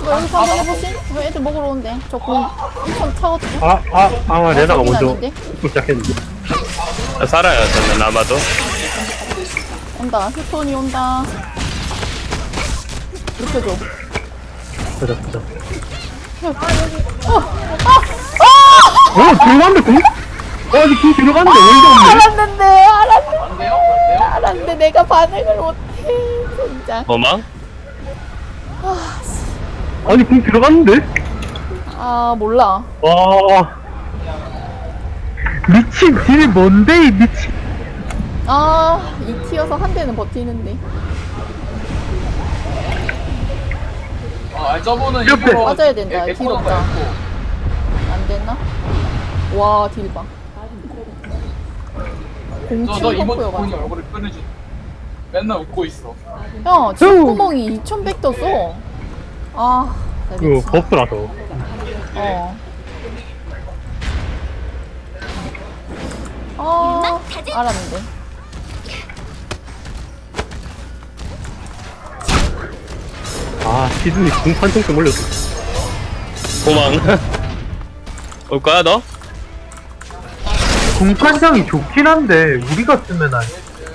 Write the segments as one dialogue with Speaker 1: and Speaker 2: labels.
Speaker 1: 여기 방금 해보시? 왜 애들 먹으러 온대? 저공 엄청 차거든요?
Speaker 2: 레나가
Speaker 1: 저긴
Speaker 2: 먼저
Speaker 1: 아닌데?
Speaker 2: 시작했는데.
Speaker 3: 살아요 저는 아마도.
Speaker 1: 온다. 휴톤이 온다. 눕혀줘.
Speaker 2: 보자. 들어갔는데 공? 아직 공 들어갔는데 어이가 없네.
Speaker 1: 알았는데 내가 반응을 못해. 진짜.
Speaker 3: 뭐망?
Speaker 2: 아니 공 들어갔는데?
Speaker 1: 몰라.
Speaker 2: 와. 미친 딜이 뭔데 이 미친.
Speaker 1: 이 티어서 한 대는 버티는데.
Speaker 4: 저분은
Speaker 2: 옆에.
Speaker 4: 일부러
Speaker 1: 맞아야 된다. 딜
Speaker 4: 에코는
Speaker 1: 없다.
Speaker 4: 거였고.
Speaker 1: 안 됐나? 와, 딜 봐.
Speaker 4: 너
Speaker 1: 07
Speaker 4: 이모티콘이
Speaker 1: 펌프여가지고.
Speaker 4: 얼굴을 꺼내주. 맨날 웃고 있어.
Speaker 1: 형, 지구멍이 2100 떴어. 나
Speaker 2: 그
Speaker 1: 미치겠다.
Speaker 2: 버프라서.
Speaker 1: 알았는데.
Speaker 2: 시즌이 공 판정 좀 올렸어.
Speaker 3: 도망. 올 거야 너?
Speaker 2: 공판장이 좋긴 한데 우리가 쓰면 안.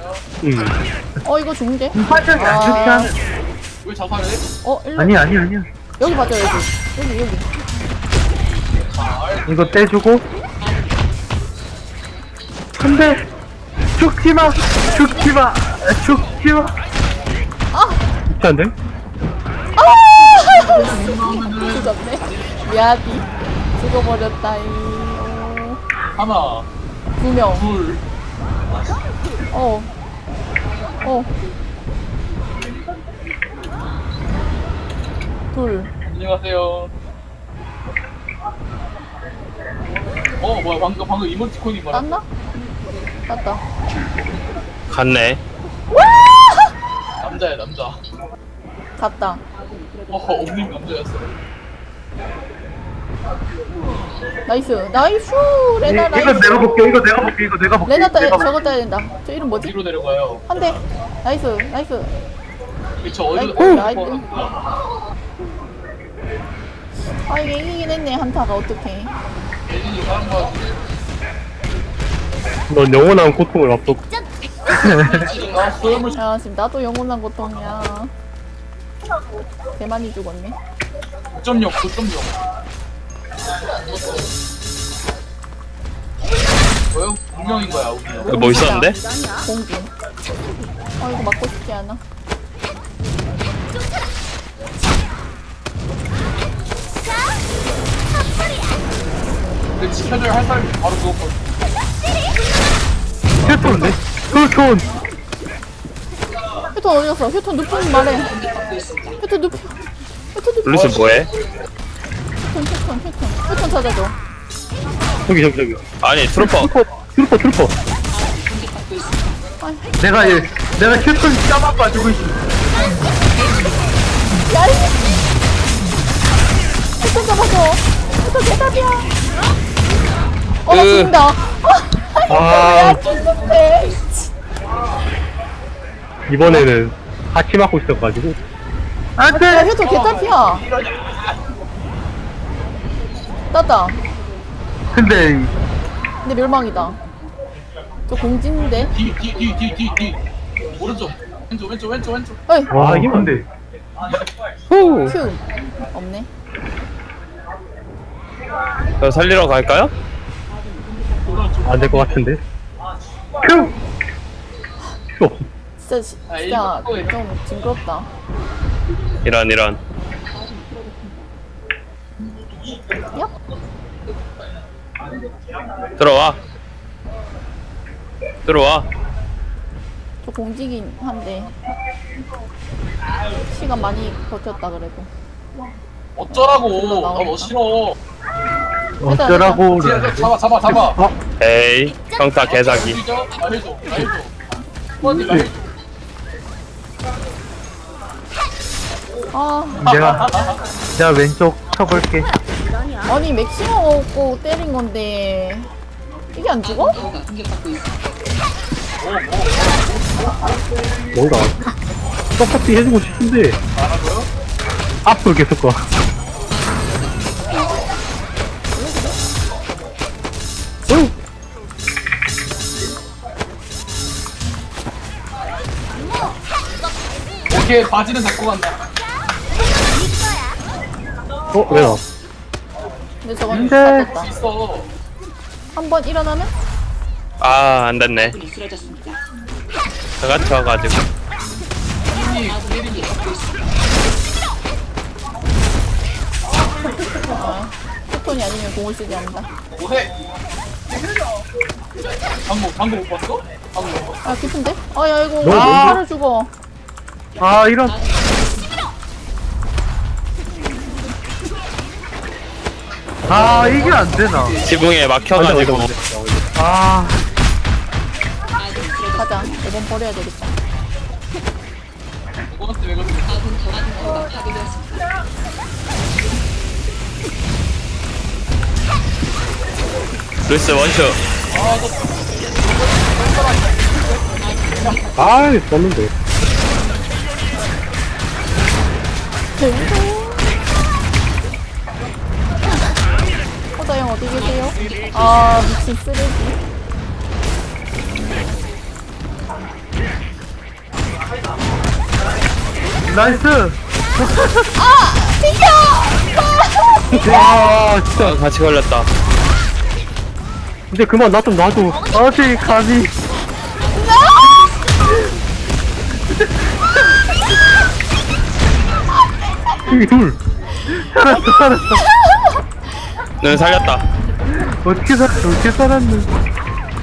Speaker 1: 이거 좋은데?
Speaker 2: 공판장이 안 좋긴 하네.
Speaker 4: 왜 자살해?
Speaker 1: 일로.
Speaker 2: 아니야.
Speaker 1: 여기 봐줘, 여기.
Speaker 2: 이거 떼주고. 근데 죽지마. 안 돼?
Speaker 1: 죽었네. 미안이. 죽어버렸다이.
Speaker 4: 하나,
Speaker 1: 2명.
Speaker 4: 둘.
Speaker 1: 둘.
Speaker 4: 안녕하세요. 뭐야 방금 이모티콘이 뭐야?
Speaker 1: 땄나? 땄다.
Speaker 3: 갔네.
Speaker 4: 남자야 남자.
Speaker 1: 갔다.
Speaker 4: 옴님 남자였어.
Speaker 1: 나이스. 레나 나이스.
Speaker 2: 이거 내가 볼게.
Speaker 1: 레나 저거 따야 된다. 저 이름 뭐지?
Speaker 4: 뒤로 내려가요.
Speaker 1: 한 대. 나이스.
Speaker 4: 저 어디로
Speaker 1: 나이스. 이게 이기긴 했네, 한타가. 어떡해.
Speaker 4: 예진이 하는 거 같은데.
Speaker 2: 넌 영원한 고통을 앞두고.
Speaker 4: 소염을
Speaker 1: 야, 지금 나도 영원한 고통이야. 개 많이 죽었네.
Speaker 4: 9.0 9.0. 뭐요? 운명인 거야 운명.
Speaker 3: 여기 뭐 있었는데?
Speaker 1: 공기. 이거 맞고 싶지 않아.
Speaker 4: 근데 지켜줘야 할 사람이 바로 죽었거든.
Speaker 2: 휴톤인데? 휴톤.
Speaker 1: 휴톤 어디 갔어? 휴톤 눕히면 말해. 휴톤 눕혀.
Speaker 3: 블루스 뭐해?
Speaker 1: 휴톤 찾아줘.
Speaker 2: 저기.
Speaker 3: 아니 트루퍼.
Speaker 2: 트루퍼. 내가 휴톤 짜만 봐주고 있어.
Speaker 1: 야, 휴톤 잡아줘. 휴톤 대답이야. 나 죽는다. 야, 죽는데.
Speaker 2: 이번에는 같이 맞고 있어가지고.
Speaker 1: 야, 휴톤 개답이야. 땄다.
Speaker 2: 근데
Speaker 1: 멸망이다. 저 공진인데.
Speaker 4: 뒤. 오른쪽. 왼쪽.
Speaker 1: 어이.
Speaker 2: 이게 뭔데?
Speaker 1: 큐. 없네.
Speaker 3: 저 살리러 갈까요?
Speaker 2: 안 될 것 같은데. 큐.
Speaker 1: 진짜 좀 징그럽다.
Speaker 3: 이런.
Speaker 1: 야?
Speaker 3: 들어와.
Speaker 1: 저 공지긴 한데 시간 많이 버텼다 그래도.
Speaker 4: 어쩌라고? 너 싫어.
Speaker 2: 어쩌라고.
Speaker 4: 잡아.
Speaker 3: 에이 평타 개사기.
Speaker 4: 나 해줘. 스펀지 나 해줘.
Speaker 2: 내가 왼쪽 쳐볼게.
Speaker 1: 아니 맥시멈 먹고 때린 건데 이게 안 죽어?
Speaker 2: 뭔가 떡볶이 해주고 싶은데. 앞으로 계속 가.
Speaker 4: 오케이, 바지는 잡고 간다.
Speaker 2: 왜 나?
Speaker 1: 근데 저건
Speaker 2: 근데-
Speaker 1: 다 됐다.
Speaker 4: 있어.
Speaker 1: 한 번 일어나면?
Speaker 3: 아, 안 됐네. 제가 쳐가지고.
Speaker 4: 이 게임이
Speaker 1: 패턴이 아니면 공을 쓰지 않는다.
Speaker 4: 뭐해? 방금 못 봤어? 방금 못 봤어?
Speaker 1: 아, 깊은데? 아, 야, 이거
Speaker 2: 너무
Speaker 1: 팔을 죽어.
Speaker 2: 아, 이런. 아, 이게 안 되나?
Speaker 3: 지붕에 막혀가지고.
Speaker 2: 아,
Speaker 1: 가자. 이번 버려야 되겠다.
Speaker 4: 이거한테 왜 그러지?
Speaker 3: 루이스 원슈.
Speaker 2: 아, 썼는데.
Speaker 1: 허다형 어디 계세요? 아, 미친 쓰레기.
Speaker 2: 나이스!
Speaker 1: 비켜!
Speaker 2: 와, 진짜.
Speaker 3: 아, 같이 걸렸다.
Speaker 2: 이제 그만 나 좀 놔줘. 어디 가니? 여기 둘. 살았어, 살았어.
Speaker 3: 눈 살렸다.
Speaker 2: 어떻게 살았는?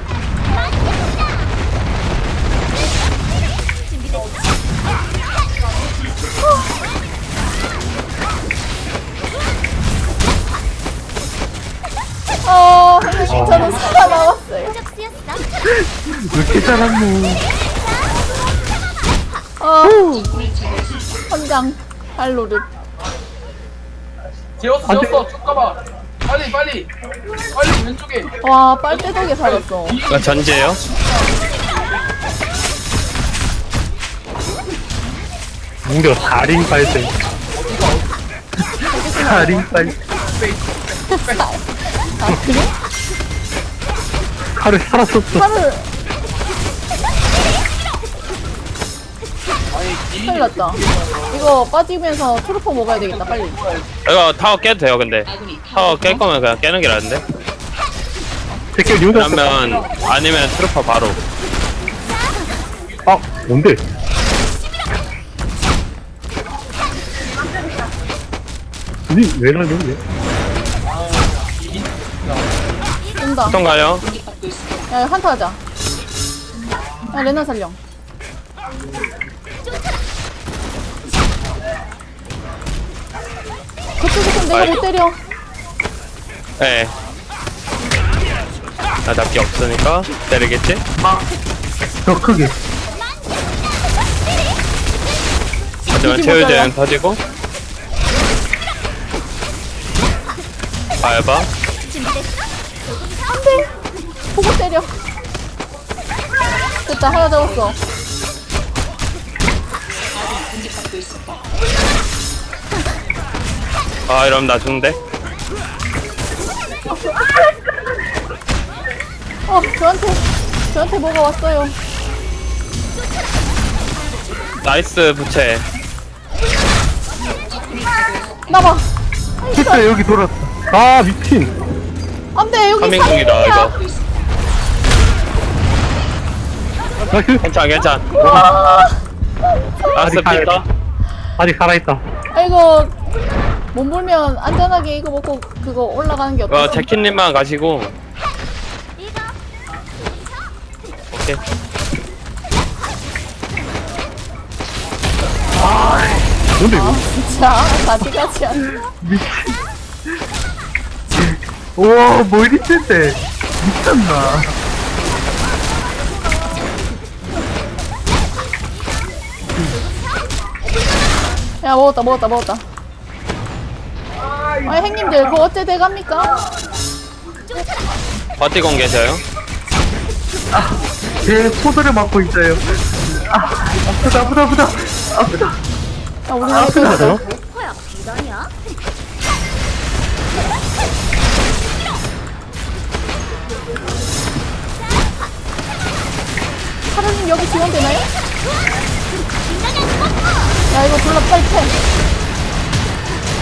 Speaker 1: 선생님, 저는 살아남았어요.
Speaker 2: 어떻게 살았노?
Speaker 1: 선장, 발로를.
Speaker 4: 재웠어, 재웠어. 쭉 가봐. 빨리, 빨리. 빨리, 왼쪽에.
Speaker 1: 와, 빨대덕에 살았어.
Speaker 3: 이거 전제요?
Speaker 2: 무려 4링 발생. 4링 발생.
Speaker 1: 아, 그래?
Speaker 2: 칼을 살았었어.
Speaker 1: 팔을. 큰일 났다. 이거 빠지면서 트루퍼 먹어야 되겠다, 빨리.
Speaker 3: 이거 타워 깨도 돼요, 근데. 타워 깰 거면 그냥 깨는 게 나은데?
Speaker 2: 새끼 리오다.
Speaker 3: 그러면, 아니면 트루퍼 바로.
Speaker 2: 아, 뭔데? 왜 날렸냐?
Speaker 1: 온다.
Speaker 3: 보통 가요.
Speaker 1: 야, 한타 하자. 야, 레나 살려. 그쪽에서 내가 못 때려.
Speaker 3: 네. 나 잡기 없으니까 때리겠지?
Speaker 2: 더 크게.
Speaker 3: 하지만
Speaker 1: 이기
Speaker 3: 체유제는
Speaker 1: 모자라.
Speaker 3: 터지고. 밟아.
Speaker 1: 안돼. 보고 때려. 됐다, 하나 잡았어.
Speaker 3: 아, 이러면 나 죽는데?
Speaker 1: 저한테 뭐가 왔어요.
Speaker 3: 나이스, 부채.
Speaker 1: 나봐.
Speaker 2: 진짜 여기 돌았다. 아, 미친.
Speaker 1: 안돼, 여기
Speaker 3: 카밍공이다,
Speaker 1: 살인이야.
Speaker 3: 이거.
Speaker 2: 나이스.
Speaker 3: 괜찮. 나이스, 삐다.
Speaker 2: 아직 살아있다.
Speaker 1: 아, 이거 못 물면 안전하게 이거 먹고 그거 올라가는 게 어떠세요?
Speaker 3: 제키님만 가시고. 오케이.
Speaker 2: 뭔데, 이거?
Speaker 1: 진짜 가지가지 않나?
Speaker 2: 우와, 뭐 이리 센데? 미쳤나?
Speaker 1: 야, 먹었다. 아, 형님들 그거 어째 돼갑니까?
Speaker 3: 버티고 계셔요?
Speaker 2: 제 포도를 맞고 있어요. 아, 아프다.
Speaker 1: 야, 우리 왜 그러자.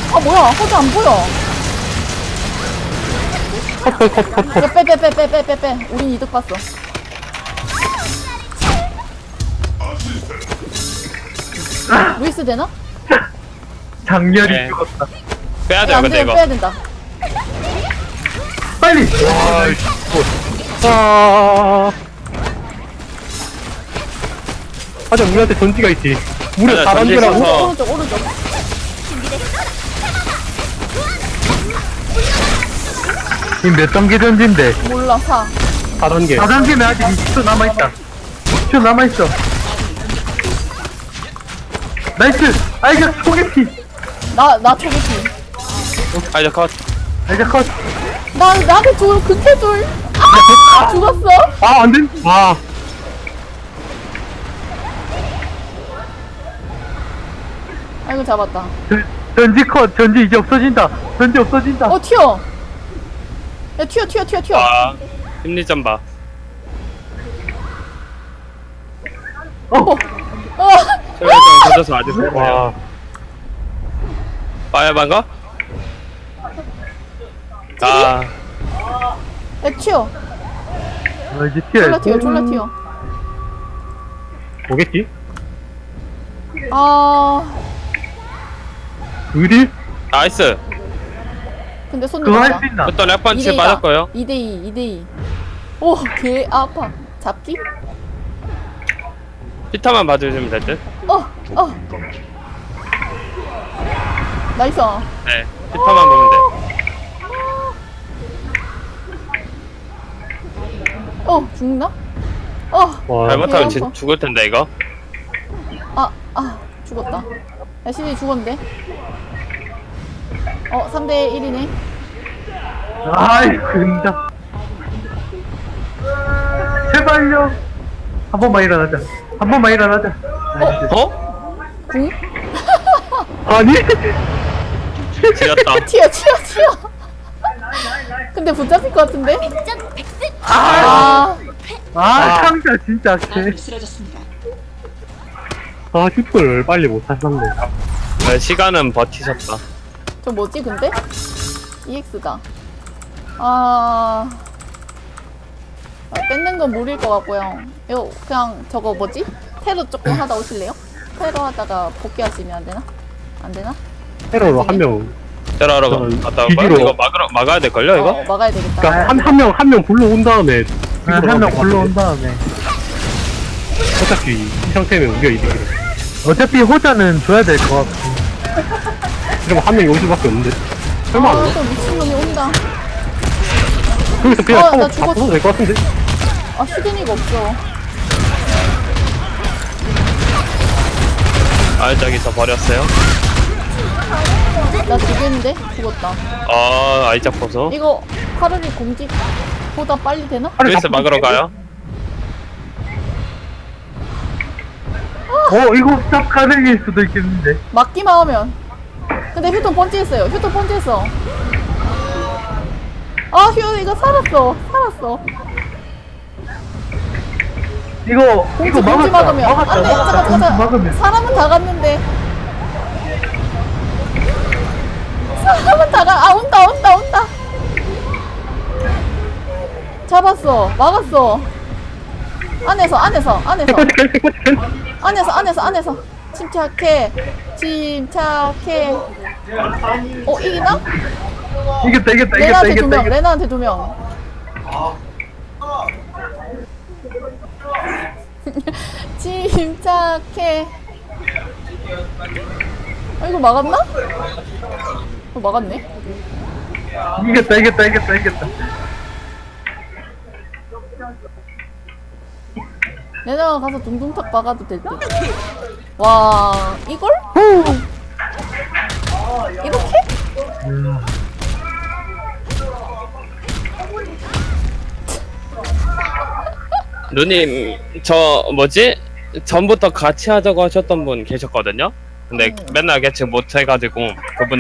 Speaker 1: 아 뭐야 허즈 안 보여.
Speaker 2: 컷.
Speaker 1: 야, 빼. 우린 이득 봤어. 루이스 되나?
Speaker 2: 장렬히
Speaker 3: 네.
Speaker 2: 죽었다.
Speaker 3: 빼야
Speaker 1: 야,
Speaker 3: 돼요
Speaker 1: 안
Speaker 3: 근데
Speaker 1: 되면
Speaker 3: 이거
Speaker 1: 빼야 된다.
Speaker 2: 빨리. 하자 우리한테 전지가 있지. 무려
Speaker 3: 맞아,
Speaker 2: 4단계라고.
Speaker 3: 전지
Speaker 1: 오른쪽.
Speaker 2: 지금 몇 단계 전지인데?
Speaker 1: 몰라 4.
Speaker 2: 4단계. 4단계면 아직 20초 남아있다. 20초 남아있어. 나이스! 아, 이거 소개팅!
Speaker 1: 나 초기피.
Speaker 3: 아 이제 컷
Speaker 2: 아, 이제 컷.
Speaker 1: 나한테 극해줄. 아 죽었어.
Speaker 2: 아, 안 된. 아.
Speaker 1: 아이고 잡았다.
Speaker 2: 전지 컷. 전지 이제 없어진다. 전지 없어진다.
Speaker 1: 어 튀어. 야 튀어.
Speaker 3: 아 심리전 봐
Speaker 2: 어.
Speaker 3: 심리전 던져서 아직 못
Speaker 2: 와.
Speaker 3: 봐요 빠야반 거? 아
Speaker 1: 야 튀어.
Speaker 2: 이제 튀어야지.
Speaker 1: 졸라 튀어.
Speaker 2: 오겠지?
Speaker 1: 아
Speaker 2: 의리?
Speaker 3: 나이스
Speaker 1: 근데 손
Speaker 2: 그거 할
Speaker 1: 넘었다.
Speaker 2: 수 있나?
Speaker 3: 또 랩펀치 맞았고요
Speaker 1: 2대2. 오, 개 아파. 잡기?
Speaker 3: 피타만 봐주시면 될듯
Speaker 1: 나이스.
Speaker 3: 네 피타만 보면 돼
Speaker 1: 죽나?
Speaker 2: 와.
Speaker 3: 잘못하면
Speaker 1: 대박.
Speaker 3: 죽을 텐데 이거
Speaker 1: 죽었다. 야, 시즌이 죽었는데? 3대1이네.
Speaker 2: 아이, 근다. 제발요. 한 번만 일어나자. 나이스.
Speaker 3: 어?
Speaker 1: 궁?
Speaker 2: 아니?
Speaker 3: 지렸다
Speaker 1: 튀어. 근데 붙잡힐 것 같은데?
Speaker 2: 아,
Speaker 3: 아.
Speaker 2: 상자 진짜 개. 아, 슈퍼를 빨리 못 탔었네.
Speaker 3: 네, 시간은 버티셨다
Speaker 1: 저 뭐지, 근데? EX다. 뺏는 건 무리일 것 같고요. 이거 그냥 저거 뭐지? 테러 조금 하다 오실래요? 테러 하다가 복귀하시면 안 되나? 안 되나?
Speaker 2: 테러로 한 명.
Speaker 3: 테러하러
Speaker 2: 저는
Speaker 3: 갔다 올 거야?
Speaker 2: 뒤지러.
Speaker 3: 이거 막아야 될걸요 이거?
Speaker 1: 막아야 되겠다.
Speaker 2: 그니까 한 명 불러온 다음에. 한 명 불러온 다음에. 어차피 이 상태면 우리가 이득이래. 어차피 호자는 줘야 될 것 같고. 그러면 한 명이 올 수밖에 없는데. 설마 안 와?
Speaker 1: 또 미친놈이 온다.
Speaker 2: 거기서 그냥
Speaker 1: 나
Speaker 2: 타고
Speaker 1: 죽었어.
Speaker 2: 바꿔도 될 것 같은데?
Speaker 1: 휴대니가 없어.
Speaker 3: 저기서 버렸어요
Speaker 1: 나 죽였는데? 죽었다.
Speaker 3: 아이작 보소
Speaker 1: 이거 카르리 공직보다 빨리 되나?
Speaker 3: 루이스 막으러 가요
Speaker 2: 이거 딱 가능일 수도 있겠는데.
Speaker 1: 막기만 하면. 근데 휴ton 번지했어요. 이거 살았어.
Speaker 2: 이거
Speaker 1: 공지
Speaker 2: 막았다.
Speaker 1: 막으면. 안 돼.
Speaker 2: 공지
Speaker 1: 잠깐.
Speaker 2: 막으면.
Speaker 1: 사람은 다 갔는데. 사람은 다 가. 온다. 잡았어. 막았어. 안에서. 안에서. 침착해. 이기나?
Speaker 2: 이겼다.
Speaker 1: 레나한테 2명. 침착해. 이거 막았나? 막았네.
Speaker 2: 이겼다.
Speaker 1: 레나가 가서 둥둥탁 박아도 될 듯. 와, 이걸? 이렇게?
Speaker 3: 누님 저 뭐지? 전부터 같이 하자고 하셨던 분 계셨거든요 근데 맨날 개측 못 해가지고 그분